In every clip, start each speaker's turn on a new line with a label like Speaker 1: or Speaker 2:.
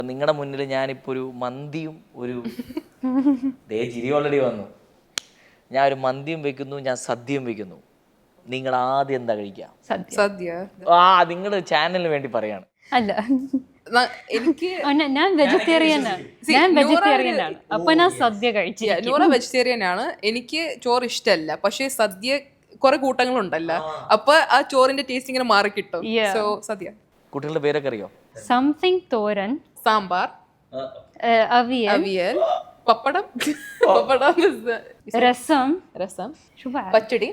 Speaker 1: നിങ്ങളുടെ മുന്നിൽ ഞാനിപ്പോൾ ഒരു മന്തിയും ഒരു ചിരി ഓൾറെഡി വന്നു. ഞാൻ ഒരു മന്തിയും വെക്കുന്നു, ഞാൻ സദ്യയും വെക്കുന്നു. നിങ്ങൾ ആദ്യം എന്താ കഴിക്കുക?
Speaker 2: സദ്യ.
Speaker 1: നിങ്ങളുടെ ചാനലിന് വേണ്ടി പറയാണ്.
Speaker 3: അല്ല,
Speaker 2: എനിക്ക്
Speaker 3: ഞാൻ വെജിറ്റേറിയനാണ്. അപ്പൊ ഞാൻ സദ്യ കഴിച്ചു.
Speaker 2: നൂറ വെജിറ്റേറിയൻ ആണ്. എനിക്ക് ചോറ് ഇഷ്ടമല്ല, പക്ഷെ സദ്യ കുറെ കൂട്ടങ്ങളുണ്ടല്ലോ, അപ്പൊ ആ ചോറിന്റെ ടേസ്റ്റ് ഇങ്ങനെ മാറി കിട്ടും. സോ സദ്യ.
Speaker 1: കുട്ടികളുടെ പേരൊക്കെ അറിയോ?
Speaker 3: സംതിങ് തോരൻ,
Speaker 2: സാമ്പാർ,
Speaker 3: അവിയൽ,
Speaker 2: പപ്പടം,
Speaker 3: രസം,
Speaker 2: പച്ചടി.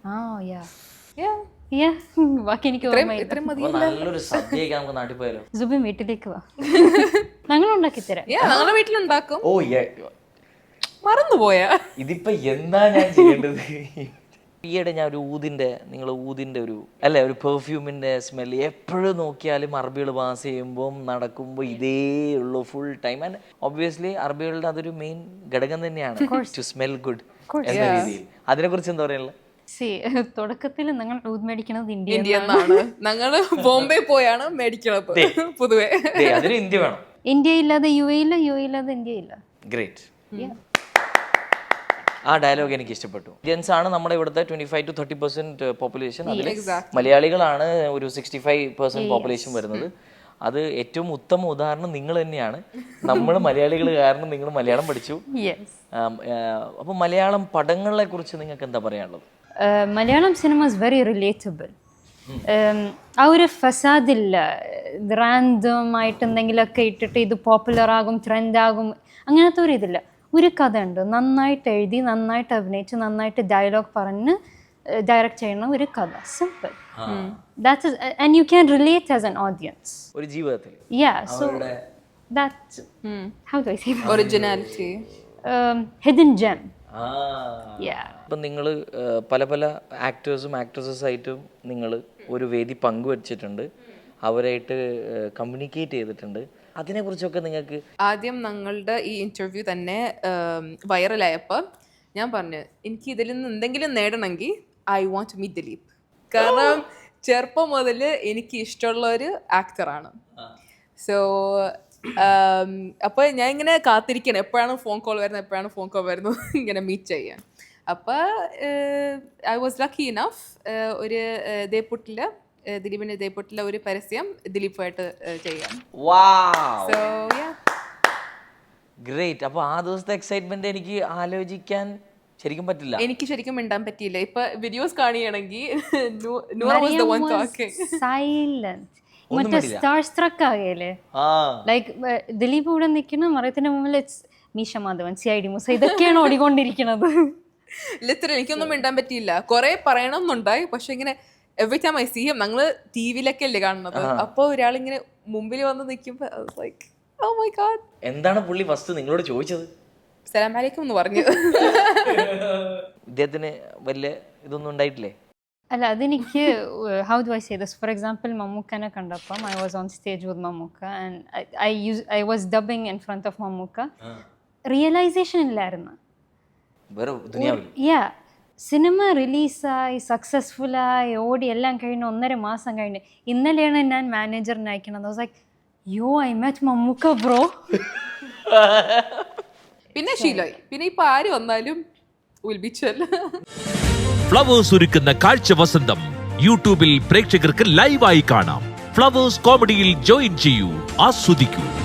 Speaker 3: ബാക്കി എനിക്ക്
Speaker 1: നല്ലൊരു സദ്യയൊക്കെ നമുക്ക് നാട്ടിൽ പോയാലോ?
Speaker 3: സുബിൻ വീട്ടിലേക്ക് വാ, ഞങ്ങൾ ഉണ്ടാക്കി തരാം.
Speaker 2: ഞങ്ങളുടെ വീട്ടിലുണ്ടാക്കും.
Speaker 1: ഓ
Speaker 2: മറന്നുപോയാ
Speaker 1: ഇതിപ്പോ എന്താ ഞാൻ ചെയ്യേണ്ടത്? ഈയിടെ ഞാൻ ഒരു ഊതിന്റെ ഒരു പെർഫ്യൂമിന്റെ സ്മെല്ല് എപ്പോഴും നോക്കിയാലും അറബികൾ പാസ് ചെയ്യുമ്പോൾ നടക്കുമ്പോൾ ഇതേ ഉള്ളൂ ഫുൾ ടൈം. ആൻഡ് ഒബ്വിയസ്ലി അറബികളുടെ അതൊരു മെയിൻ ഘടകം തന്നെയാണ് ടു സ്മെൽ ഗുഡ് എന്ന രീതിയിൽ. അതിനെ കുറിച്ച് എന്താ പറയാനുള്ളത്?
Speaker 3: തുടക്കത്തിൽ ഞങ്ങൾ ഊത് മേടിക്കണത്
Speaker 2: ഇന്ത്യ എന്നാണ്. ഞങ്ങള് ബോംബെ പോയാണ് മേടിക്കണത്. പൊതുവെ
Speaker 1: അതിന് ഇന്ത്യ വേണം.
Speaker 3: ഇന്ത്യ ഇല്ലാതെ യു എ ഇല്ല, യു എ ഇല്ലാതെ ഇന്ത്യ ഇല്ല.
Speaker 1: ഗ്രേറ്റ്. ആ ഡയലോഗ് എനിക്ക് ഇഷ്ടപ്പെട്ടു. ഇന്ത്യൻസ് ആണ് നമ്മുടെ ഇവിടുത്തെ 25 to 30% പോപ്പുലേഷൻ. അതിൽ മലയാളികളാണ് ഒരു 65% പോപ്പുലേഷൻ വരുന്നത്. അത് ഏറ്റവും ഉത്തമ ഉദാഹരണം നിങ്ങൾ തന്നെയാണ്. നമ്മൾ മലയാളികൾ കാരണം നിങ്ങൾ മലയാളം പഠിച്ചു. അപ്പൊ മലയാളം പടങ്ങളെ കുറിച്ച് നിങ്ങൾക്ക് എന്താ പറയാനുള്ളത്?
Speaker 3: Malayalam cinema is very relatable. ആ ഒരു ഫസാദില്ല, റാൻഡമായിട്ട് എന്തെങ്കിലുമൊക്കെ ഇട്ടിട്ട് ഇത് പോപ്പുലർ ആകും, ട്രെൻഡാകും, അങ്ങനത്തെ ഒരു ഇതില്ല. ഒരു കഥ ഉണ്ട്, നന്നായിട്ട് എഴുതി, നന്നായിട്ട് അഭിനയിച്ച്, നന്നായിട്ട് ഡയലോഗ് പറഞ്ഞ് ഡയറക്റ്റ് ചെയ്യുന്ന ഒരു കഥ. Simple. That is, and you can relate as an audience.
Speaker 1: ഒരു ജീവിതത്തിൽ.
Speaker 3: Yeah, so that's how do I say that?
Speaker 2: Originality.
Speaker 3: Hidden gem.
Speaker 1: Yeah. ഇപ്പം നിങ്ങൾ പല ആക്ടേഴ്സും ആക്ട്രസസായിട്ടും നിങ്ങൾ ഒരു വേദി പങ്കുവച്ചിട്ടുണ്ട്, അവരായിട്ട് കമ്മ്യൂണിക്കേറ്റ് ചെയ്തിട്ടുണ്ട്. അതിനെക്കുറിച്ചൊക്കെ നിങ്ങൾക്ക്
Speaker 2: ആദ്യം ഞങ്ങളുടെ ഈ ഇന്റർവ്യൂ തന്നെ വൈറലായപ്പോൾ ഞാൻ പറഞ്ഞു, എനിക്ക് ഇതിൽ നിന്ന് എന്തെങ്കിലും നേടണമെങ്കിൽ I want to meet Dileep. കാരണം ചെറുപ്പം മുതൽ എനിക്ക് ഇഷ്ടമുള്ള ഒരു ആക്ടറാണ്. സോ അപ്പോൾ ഞാൻ ഇങ്ങനെ കാത്തിരിക്കണം എപ്പോഴാണ് ഫോൺ കോൾ വരുന്നത് ഇങ്ങനെ മീറ്റ് ചെയ്യാൻ. അപ്പോൾ ഐ വാസ് ലക്കി ഇനഫ്. ഒരു ദിലീപിന്റെ ദേപ്പുട്ടിലെ ഒരു പരസ്യം ദിലീപായിട്ട് ചെയ്യാം. So
Speaker 1: great. അപ്പോൾ ആ ദിവസത്തെ എക്സൈറ്റ്മെന്റ് എനിക്ക് ആലോചിക്കാൻ ശരിക്കും പറ്റില്ല.
Speaker 2: എനിക്ക് ശരിക്കും മിണ്ടാൻ പറ്റിയില്ല. ഇപ്പൊ വീഡിയോസ് കാണുകയാണെങ്കിൽ
Speaker 3: മറ്റേ സ്റ്റാർ സ്ട്രക്ക് ആകേലേ, ലൈക്ക് ദിലീപ് ഇവിടെ നിൽക്കുന്ന മറയത്തിന്റെ മുമ്പിൽ മീശ മാധവൻ, CID മൂസ, ഇതൊക്കെയാണ് ഓടിക്കൊണ്ടിരിക്കുന്നത്.
Speaker 2: ലിറ്ററലി എനിക്കൊന്നും മിണ്ടാൻ പറ്റിയില്ല. കുറെ പറയണമെന്നുണ്ടായി, പക്ഷെ ഇങ്ങനെ every time I see him, ഞങ്ങള് TV-ലൊക്കെ അല്ലേ കാണുന്നത്, അപ്പൊ ഒരാളിങ്ങനെ മുമ്പിൽ വന്ന് നിൽക്കുമ്പോ ലൈക്ക് ഓ മൈ ഗോഡ്.
Speaker 1: എന്താണ് പുള്ളി ഫസ്റ്റ് നിങ്ങളോട് ചോദിച്ചത്?
Speaker 2: സലാം അലൈക്കും എന്ന് പറഞ്ഞു.
Speaker 1: ഇദ്ദേഹത്തിന് വലിയ ഇതൊന്നും ഉണ്ടായിട്ടില്ലേ?
Speaker 3: അല്ല, അതെനിക്ക് how do I say this, for example മമ്മൂക്കനെ കണ്ടപ്പം I was on stage with Mammukka and I was dubbing in front of Mammukka. Realisation ഇല്ലായിരുന്നു. സിനിമ റിലീസായി സക്സസ്ഫുള്ളായി ഓടി എല്ലാം കഴിഞ്ഞ് 1.5 മാസം കഴിഞ്ഞ് ഇന്നലെയാണ് ഞാൻ മാനേജറിനെ അയക്കണത്. I was like yo I met Mammukka bro.
Speaker 2: പിന്നെ ശീലമായി. പിന്നെ ഇപ്പൊ ആര് വന്നാലും
Speaker 4: ഫ്ലവേഴ്സ് ഒരുക്കുന്ന കാഴ്ച വസന്തം യൂട്യൂബിൽ പ്രേക്ഷകർക്ക് ലൈവായി കാണാം. ഫ്ലവേഴ്സ് കോമഡിയിൽ ജോയിൻ ചെയ്യൂ, ആസ്വദിക്കൂ.